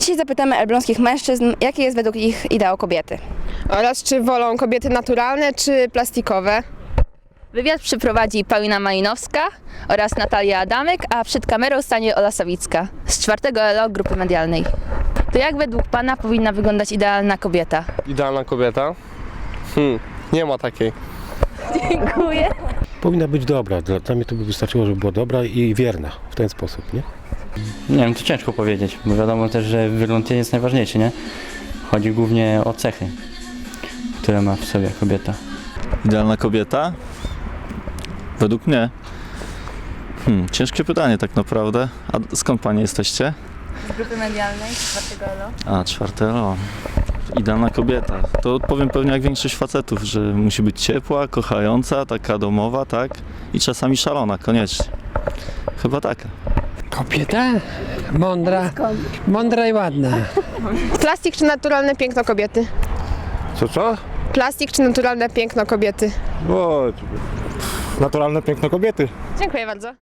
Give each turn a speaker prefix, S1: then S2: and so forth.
S1: Dzisiaj zapytamy elbląskich mężczyzn, jakie jest według ich ideał kobiety.
S2: Oraz czy wolą kobiety naturalne czy plastikowe?
S3: Wywiad przeprowadzi Paulina Malinowska oraz Natalia Adamek, a przed kamerą stanie Ola Sawicka z 4. LO Grupy Medialnej. To jak według Pana powinna wyglądać idealna kobieta?
S4: Idealna kobieta? Nie ma takiej.
S3: Dziękuję.
S5: Powinna być dobra. Dla mnie to by wystarczyło, żeby była dobra i wierna w ten sposób, nie?
S6: Nie wiem, to ciężko powiedzieć, bo wiadomo też, że wygląd jest najważniejszy, nie? Chodzi głównie o cechy, które ma w sobie kobieta.
S7: Idealna kobieta? Według mnie? Ciężkie pytanie tak naprawdę. A skąd panie jesteście?
S3: Z Grupy Medialnej, 4. LO.
S7: A, 4. Idealna kobieta. To odpowiem pewnie jak większość facetów, że musi być ciepła, kochająca, taka domowa, tak? I czasami szalona, koniecznie. Chyba taka.
S8: Kobieta? Mądra i ładna.
S2: Plastik czy naturalne piękno kobiety?
S9: Co?
S2: Plastik czy naturalne piękno kobiety?
S9: O, naturalne piękno kobiety.
S2: Dziękuję bardzo.